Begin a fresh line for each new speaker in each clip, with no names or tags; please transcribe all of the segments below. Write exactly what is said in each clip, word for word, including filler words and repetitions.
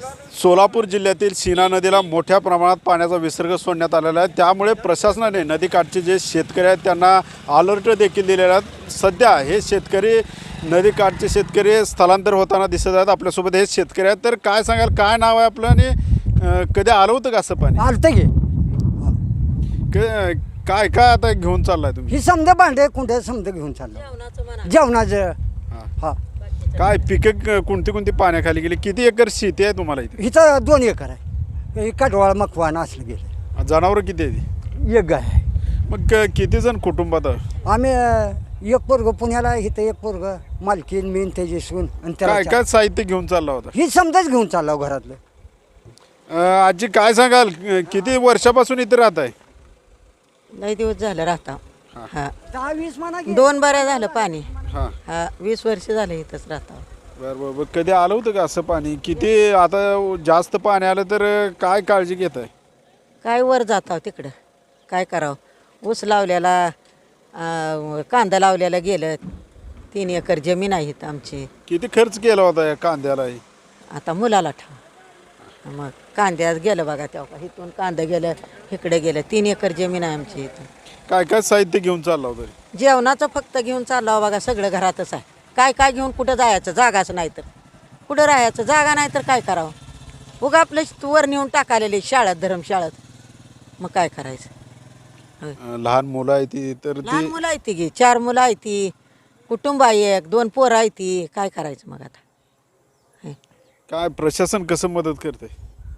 सोलापूर जिल्ह्यातील सीना नदीला मोठ्या प्रमाणात पाण्याचा विसर्ग सोडण्यात आलेला आहे। त्यामुळे प्रशासनाने नदीकाठचे जे शेतकरी आहेत त्यांना अलर्ट देखील दिलेला आहे। सध्या हे शेतकरी नदीकाठचे शेतकरी स्थलांतर होताना दिसत आहेत। आपल्यासोबत हे शेतकरी आहेत, तर काय सांगाल, काय नाव आहे आपलं आणि अ, कधी आलं होतं का असं पाणी?
आलतं की
क- काय काय आता घेऊन चाललाय तुम्ही?
ही समजा भांडे कुंडे समजा घेऊन चाललं जेवणाचं हा
काय पिकं कोणती कोणती पाण्याखाली गेली? किती एकर शेती आहे तुम्हाला इथे?
हिचं दोन एकर आहे। ही कडवाळ मकवान असलं गेलं,
जनावरं किती आहे?
एक गाय आहे।
मग क- किती जण कुटुंबात आहे?
आम्ही अं, एक पोरग पुण्याला आहे, इथं एक पोरग मालकीन मीन त्याची सून आणि त्याला
काय
चार.
काय साहित्य घेऊन चालला होता?
ही समजाच घेऊन चालला हो घरातलं।
अ, आजी काय सांगाल, किती वर्षापासून इथे राहत आहे?
लई दिवस झालं राहता हा
दहा वीस म्हणा की.
दोन बऱ्या झालं पाणी
हां,
हा वीस वर्ष झाले इथंच राहता
बरं बरं बरं. कधी आलं होतं का असं पाणी? किती आता जास्त पाणी आलं तर काय काळजी घेत आहे?
काय वर जाता तिकडं काय करावं, ऊस लावलेला अं, कांदा लावलेला गेलं, तीन एकर जमीन आहे इथं आमची।
किती खर्च केला होता या कांद्यालाही?
आता मुलाला ठाव मग कांद्यात गेलं बघा तेव्हा, इथून कांदा गेलं, इकडे गेलं, तीन एकर जमीन आहे आमची इथं।
काय काय साहित्य घेऊन चालला होता?
जेवणाचं फक्त घेऊन चाललं बघा, सगळं घरातच आहे। काय काय घेऊन कुठं जायचं, जागाच नाही तर कुठं राहायचं, जागा नाही तर काय करावं, उगा आपलं वर नेऊन टाकालेले शाळेत धर्मशाळेत, मग काय करायचं।
अ, लहान मुलं आहे ती तर
लहान
ती
मुलं आहे ती गी चार मुलं आहे ती, कुटुंब आहे एक, दोन पोरं आहे ती, काय करायचं मग आता? हे.
काय प्रशासन कसं मदत करते?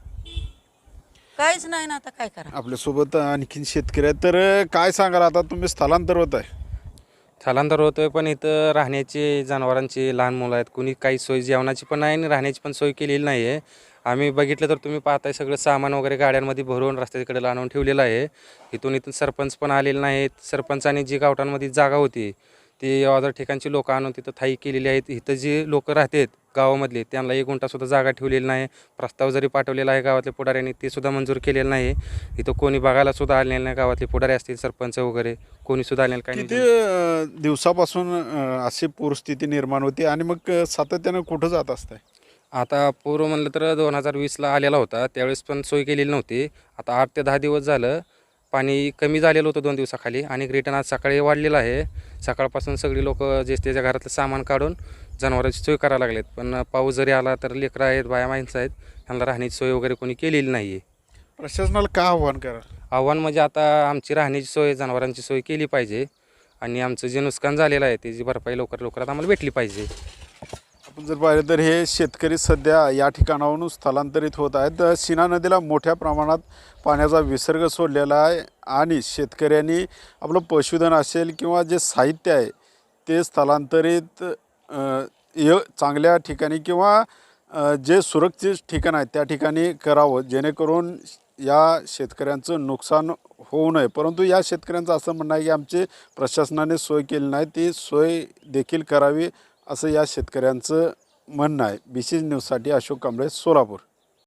काहीच नाही ना, आता काय करा।
आपल्यासोबत आणखीन शेतकरी आहेत, तर काय सांगाल, आता तुम्ही स्थलांतर होत आहे?
स्थलांतर होतोय, पण इथं राहण्याची, जनावरांची, लहान मुलं आहेत, कुणी काही सोय जेवणाची पण नाही आणि राहण्याची पण सोय केलेली नाही आहे। आम्ही बघितलं तर तुम्ही पाहताय सगळं सामान वगैरे गाड्यांमध्ये भरून रस्त्याकडे आणून ठेवलेलं आहे। इथून इथून सरपंच पण आलेले नाहीत। सरपंचाने जी गावठांमध्ये जागा होती ती अदर ठिकाणची लोकं आणून तिथं थाई केलेली आहेत। इथं जी लोकं राहतात गावामधले त्यांना एक गुंठासुद्धा जागा ठेवलेली नाही। प्रस्ताव जरी पाठवलेला आहे गावातल्या पुढाऱ्यांनी, ते सुद्धा मंजूर केलेलं नाही। इथं कोणी बघायला सुद्धा आलेलं नाही, गावातले पुढारी असतील, सरपंच वगैरे कोणी सुद्धा आलेलं काही
किती
नाही।
अ, दिवसापासून अ, अशी परिस्थिती निर्माण होती आणि मग अ, सातत्यानं कुठं जात असताय?
आता पूर्व म्हणलं तर दोन हजार वीसला आलेला होता, त्यावेळेस पण सोय केलेली नव्हती। आता आठ ते दहा दिवस झालं पाणी कमी झालेलं होतं दोन दिवसाखाली, आणि रिटर्न आज सकाळी वाढलेलं आहे। सकाळपासून सगळी लोक जे त्याच्या घरातलं सामान काढून जनावरांची सोय करायला लागलेत, पण पाऊस जरी आला तर लेकरं आहेत, बाया माणसं आहेत, त्यांना राहण्याची सोय वगैरे कोणी केलेली नाही आहे।
प्रशासनाला काय आव्हान करा?
आव्हान म्हणजे आता आमची राहण्याची सोय, जनावरांची सोय केली पाहिजे, आणि आमचं जे नुकसान झालेलं आहे त्याची भरपाई लवकर लवकरात आम्हाला भेटली पाहिजे।
आपण जर पाहिलं तर हे शेतकरी सध्या या ठिकाणावरून स्थलांतरित होत आहेत। सीना नदीला मोठ्या प्रमाणात पाण्याचा विसर्ग सोडलेला आहे आणि शेतकऱ्यांनी आपलं पशुधन असेल किंवा जे साहित्य आहे ते स्थलांतरित अ, य चांगल्या ठिकाणी किंवा अ, जे सुरक्षित ठिकाण आहे त्या ठिकाणी करावं, जेणेकरून या शेतकऱ्यांचं नुकसान होऊ नये। परंतु या शेतकऱ्यांचं असं म्हणणं आहे की आमची प्रशासनाने सोय केली नाही, ती सोय देखील करावी असं या शेतकऱ्यांचं म्हणणं आहे। बी सी न्यूजसाठी अशोक कांबळे, सोलापूर।